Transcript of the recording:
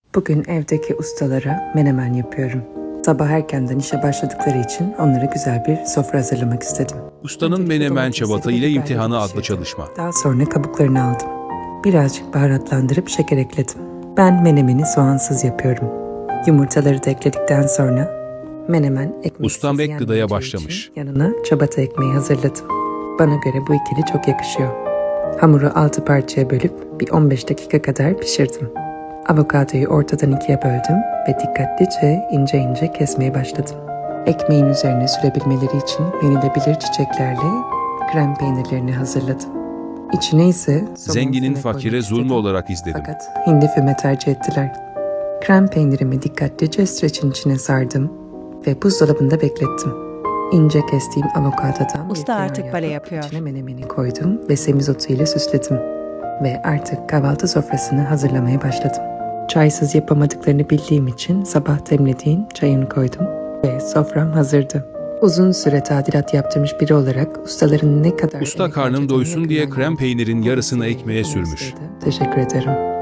Bugün evdeki ustalara menemen yapıyorum. Sabah erkenden işe başladıkları için onlara güzel bir sofra hazırlamak istedim. Ustanın Öncelikle Menemen domatesleri Çabata ve ile biberleri imtihanı adlı pişirdim. çalışma. Daha sonra kabuklarını aldım. Birazcık baharatlandırıp şeker ekledim. Ben menemeni soğansız yapıyorum. Yumurtaları da ekledikten sonra menemen ekmeksiz Ustam ek gıdaya yenmeyeceği başlamış. için yanına çabata ekmeği hazırladım. Bana göre bu ikili çok yakışıyor. Hamuru 6 parçaya bölüp bir 15 dakika kadar pişirdim. Avokadoyu ortadan ikiye böldüm ve dikkatlice ince ince kesmeye başladım. Ekmeğin üzerine sürebilmeleri için yenilebilir çiçeklerle krem peynirlerini hazırladım. İçine ise somon Zenginin füme fakire koymak zulmü istedim. olarak izledim. Fakat hindi füme tercih ettiler. Krem peynirimi dikkatlice streçin içine sardım ve buzdolabında beklettim. İnce kestiğim avokadodan bir Usta kenar artık yapıp bale yapıyor. içine menemeni koydum ve semizotu ile süsledim. Ve artık kahvaltı sofrasını hazırlamaya başladım. Çaysız yapamadıklarını bildiğim için sabah demlediğim çayını koydum ve sofram hazırdı. Uzun süre tadilat yaptırmış biri olarak ustaların ne kadar Usta emek karnım harcadığını doysun diye yakından krem gördüm. peynirin yarısını Dolayısıyla ekmeğe bu sürmüş. mesleğe de teşekkür ederim.